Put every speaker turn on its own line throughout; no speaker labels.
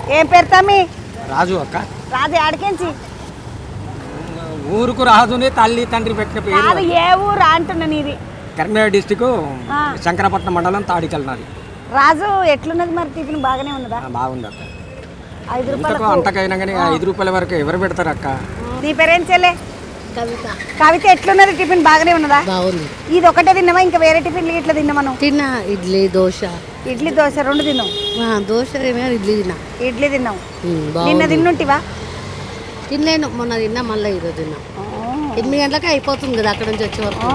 ఏం పేరు తమ్మి?
రాజు అక్క.
రాజు ఆడికించి
ఊరుకు రాజుని తల్లి తండ్రి పెట్టిన పేరు.
కాదు, ఏ ఊరు అంటున్నా నీది?
కరీంనగర్ డిస్టిక్ శంకరపట్నం మండలం తాడికల్నాది.
రాజు ఎట్లున్నది మరి? టిఫిన్ బాగానే ఉన్నదా?
బాగుంది అక్క.
5 రూపాయలు
అంతకైనా కానీ 5 రూపాయల వరకు ఎవరు పెడతారు అక్క?
నీ పేరేం చెల్లే?
కవిత.
కవిత ఎట్లున్నది టిఫిన్? బాగానే ఉన్నదా?
బాగుంది.
ఇది ఒకటే తిన్నావా? ఇంకా వేరే టిఫిన్లు ఇట్లా తిన్నామను?
తిన్నా. ఇడ్లీ దోశ.
ఇడ్లీ దోశ 2 తిన్నావు?
దోశ ఏమైనా ఇడ్లీ తిన్నా.
ఇడ్లీ తిన్నావు. నిన్న తిన్నుంటివా?
తినలేను, మొన్న తిన్నా, మళ్ళీ ఈరోజు తిన్నా. 8 గంటలకి అయిపోతుంది కదా అక్కడ నుంచి వచ్చే వరకు.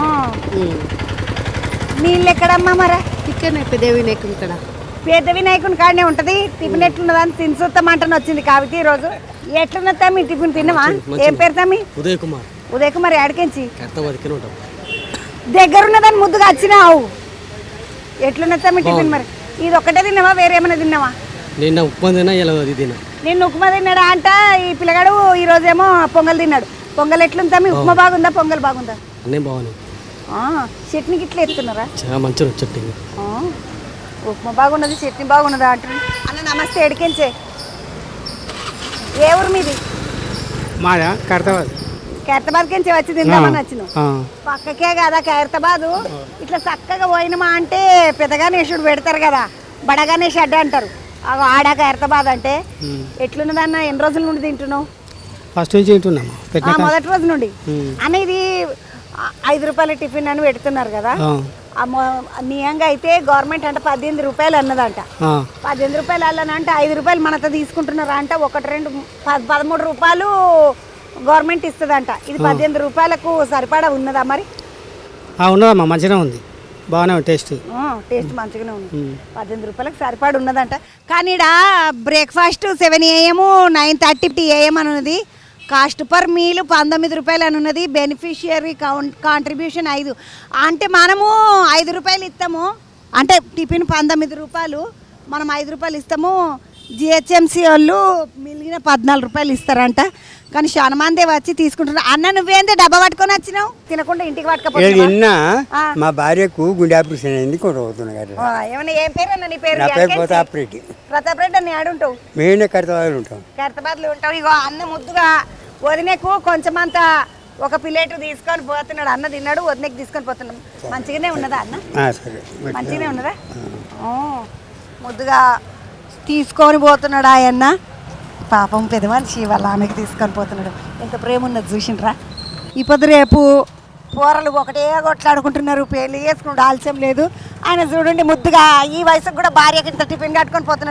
నీళ్ళు ఎక్కడమ్మా మరి?
ఇక్కడ పెద్ద వినాయకుని ఇక్కడ.
పెద్ద వినాయకుని కాడనే ఉంటది. టిఫిన్ ఎట్లున్నదా అని తినసూస్తామంటని వచ్చింది కావితి ఈరోజు. ఎట్లున్నది మీ టిఫిన్? తిన్నావా? ఏం పేరు తమ్మి?
ఉదయ్ కుమార్.
ఉదయ్ కుమార్ ఆడికించి
ఉంటాం.
దగ్గరున్నదాన్ని ముద్దుగా వచ్చినావు. ఎట్లున్నది తమ్మి టిఫిన్ మరి? ఇది ఒక్కటే తిన్నావా? వేరే ఏమైనా తిన్నావా?
నిన్న ఉప్మా తిన్నా, ఇలా తిన్నా.
నిన్న ఉప్మా తిన్నాడా అంట ఈ పిల్లగాడు. ఈ రోజేమో పొంగల్ తిన్నాడు. పొంగల్ ఎట్లుంది తమ్మి? ఉప్మా బాగుందా, పొంగల్ బాగుందా?
అన్నీ బాగున్నాయి.
చట్నీ గిట్ల ఎత్తున్నారా?
చాలా మంచిగా చట్నీ.
ఉప్మా బాగున్నది, చట్నీ బాగున్నదా అంటారు. అన్న నమస్తే, ఎడికించే. ఏ ఊరు మీది?
మాదా ఖైరతాబాద్.
ఖైరతాబాద్కించి వచ్చి తిందామని వచ్చినావు. పక్కకే కదా ఖైరతాబాదు. ఇట్లా చక్కగా పోయినమా అంటే పెద్ద గణేశుడు పెడతారు కదా, బడ గణేష్ అడ్డ అంటారు. ఆడ ఖైరతాబాద్ అంటే ఎట్లున్నదన్న? ఎన్ని రోజుల నుండి తింటున్నావు?
ఫస్ట్ నుంచి తింటున్నాము.
మొదటి రోజు నుండి. అన్న ఇది 5 రూపాయల టిఫిన్ అని పెడుతున్నారు కదా. నియంగా అయితే గవర్నమెంట్ అంటే 18 రూపాయలు అన్నదంట. 18 రూపాయలు అల్లనంటే 5 రూపాయలు మనతో తీసుకుంటున్నారా అంట. 1, 2, 13 రూపాయలు గవర్నమెంట్ ఇస్తుందంట. ఇది 18 రూపాయలకు సరిపడా ఉన్నదా మరి?
ఉన్నదమ్మా, మంచిగా ఉంది, బాగానే ఉంది. టేస్ట్
మంచిగానే ఉంది. 18 రూపాయలకు సరిపడా ఉన్నదంట. కానీ ఇక్కడ బ్రేక్ఫాస్ట్ 7 AM 9:30 AM అని ఉన్నది. కాస్ట్ పర్ మీల్ 19 రూపాయలు అని ఉన్నది. Beneficiary contribution 5. అంటే మనము 5 రూపాయలు ఇస్తాము. అంటే టిఫిన్ 19 రూపాయలు, మనం 5 రూపాయలు ఇస్తాము. జిహెచ్ఎంసీ వాళ్ళు మిగిలిన 14 రూపాయలు ఇస్తారంట. కానీ చాలా మంది వచ్చి తీసుకుంటున్నారు. అన్న నువ్వేందే డబ్బా పట్టుకొని వచ్చినావు? తినకుండా ఇంటికి పట్టుకపోతున్నా.
మా భార్యకు గుండె ఆపరేషన్ అయింది.
ఏమన్నా ఏం పేరు అన్న నీ పేరు?
ప్రతాప్ రెడ్డి.
ప్రతాప్ రెడ్డి అని ఆడుంటావు?
మేమే ఖైరతాబాద్లో ఉంటాం.
ఖైరతాబాద్లో ఉంటావు. ఇగో అన్న ముద్దుగా వదినకు కొంచెమంత ఒక ప్లేట్ తీసుకొని పోతున్నాడు. అన్న తిన్నాడు, వదినకి తీసుకొని పోతున్నాం. మంచిగానే ఉన్నదా అన్న? మంచిగానే ఉన్నదా? ముద్దుగా తీసుకొని పోతున్నాడు ఆయన. పాపం పెద్ద మనిషి వాళ్ళ ఆమెకి తీసుకొని పోతున్నాడు. ఎంత ప్రేమ ఉన్నది చూసిండ్రా. ఇప్పుడు రేపు పోరలు ఒకటే కొట్లాడుకుంటున్నారు. పెళ్లి చేసుకుంటూ ఆలస్యం లేదు. ఆయన చూడండి ముద్దుగా ఈ వయసుకు కూడా భార్యకి ఇంత టిఫిన్ కట్టుకొని పోతున్నాడు.